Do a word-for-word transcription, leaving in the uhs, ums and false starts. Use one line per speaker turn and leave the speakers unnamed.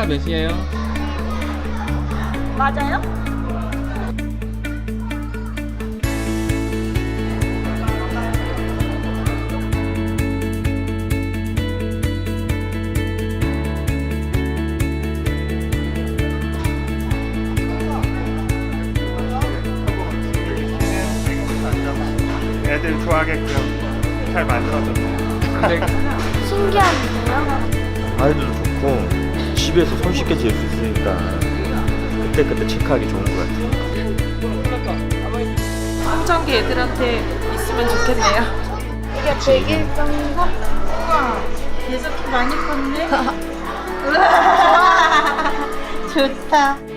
키가 몇이에요?
맞아요?
애들 좋아하게끔 잘 만들어졌네요.
근데
신기한데요?
아이들도 좋고 집에서 손쉽게 지을 수 있으니까 그때그때 체크하기 좋은 것 같아요.
청정기 애들한테 있으면 좋겠네요.
이게 백 일 정도?
우와, 계속 많이 컸네.
우와 좋다.